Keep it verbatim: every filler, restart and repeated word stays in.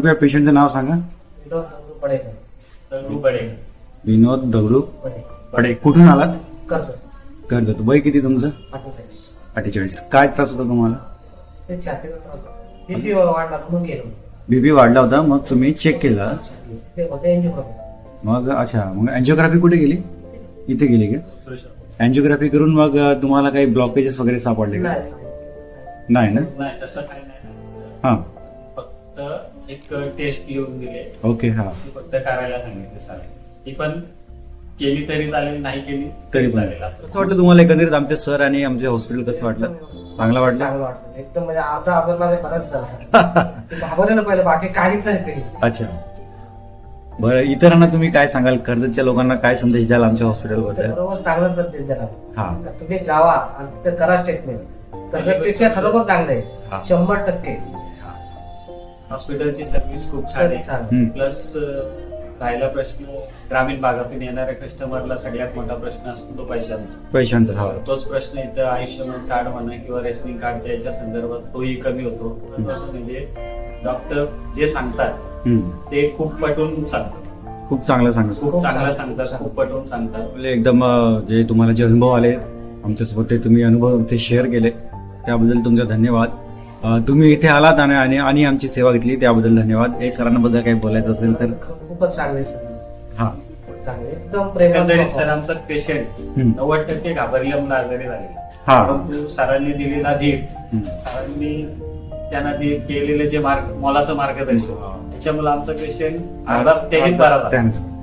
तुम्ही पेशंटचं नाव सांगा. विनोद दगडू पडेकर. दगडू पडेकर. विनोद दगडू पडेकर. पडे. कुठून आलात? कर्ज. कर्जत. वय किती तुमचं? अठ्ठेचाळीस. अठ्ठेचाळीस. काय त्रास होता तुम्हाला? ते छातीचा त्रास होता. बीपी वाढला म्हणून गेलो. बीपी वाढला होता, मग तुम्ही चेक केला. ते होते एंजिओ. मग अच्छा, मग अँजिओग्राफी कुठे गेली? इथे गेली का? अँजिओग्राफी करून मग तुम्हाला काही ब्लॉकेजेस वगैरे सापडले का? नाही ना? नाही तसं काही नाही. हा, फक्त एक टेस्ट लिहून दिले. ओके. हा, ती फक्त करायला सांगितले चालेल. ती पण केली तरी चालेल, नाही केली तरी पण. चालेल. कसं वाटलं तुम्हाला एकंदरीत आमचे सर आणि आमचे हॉस्पिटल कसं वाटलं? चांगलं वाटलं? चांगलं वाटलं एकदम. म्हणजे अर्धा हजार माझ्या बराच झाला. घाबरलेलं पहिलं, बाकी काहीच नाही. अच्छा, बरं. इतरांना तुम्ही काय सांगाल? कर्जतच्या लोकांना काय संदेश द्याल आमच्या हॉस्पिटल बद्दल? बरोबर चांगलं संदेश देणार. हा, तुम्ही जावा आणि तिथे करा ट्रीटमेंट. कर्जतपेक्षा खरोखर चांगलं हा. आहे, शंभर टक्के. हॉस्पिटलची सर्व्हिस खूप छान सर्विस आहे. छान. प्लस राहिला प्रश्न ग्रामीण भागातून येणाऱ्या कस्टमरला सगळ्यात मोठा प्रश्न असतो तो पैशाचा. पैशांचा. हा, तोच प्रश्न इथं आयुष्यमान कार्ड म्हणा किंवा रेशनिंग कार्डच्या याच्या संदर्भात तोही कमी होतो. म्हणजे डॉक्टर जे सांगतात हम्म. ते खूप पटवून सांगतात. खूप चांगलं सांगा. खूप चांगलं सांगतात, खूप पटवून सांगतात. आपले एकदम अं, जे तुम्हाला जे अनुभव आले आमच्यासोबत, ते तुम्ही अनुभव ते शेअर केले त्याबद्दल तुमचा धन्यवाद. अं, तुम्ही इथे आलात आणि आणि आणि आमची सेवा घेतली त्याबद्दल धन्यवाद. हे सरांबद्दल काही बोलायचं असेल तर? खूपच चांगले सर. हा, चांगले एकदम प्रेम. एकंदरीत सरांचा पेशंट हम्म. नव्वद टक्के घाबरल्यामुळे आजारी झाले. हा. परंतु सरांनी दिलेला धीर, हम्म. सरांनी त्यांना दे- केलेले जे मार्ग मोलाचं मार्गदर्शन, त्याच्यामुळे आमचा पेशंट अर्धा तेही बरा झाला. त्यांचं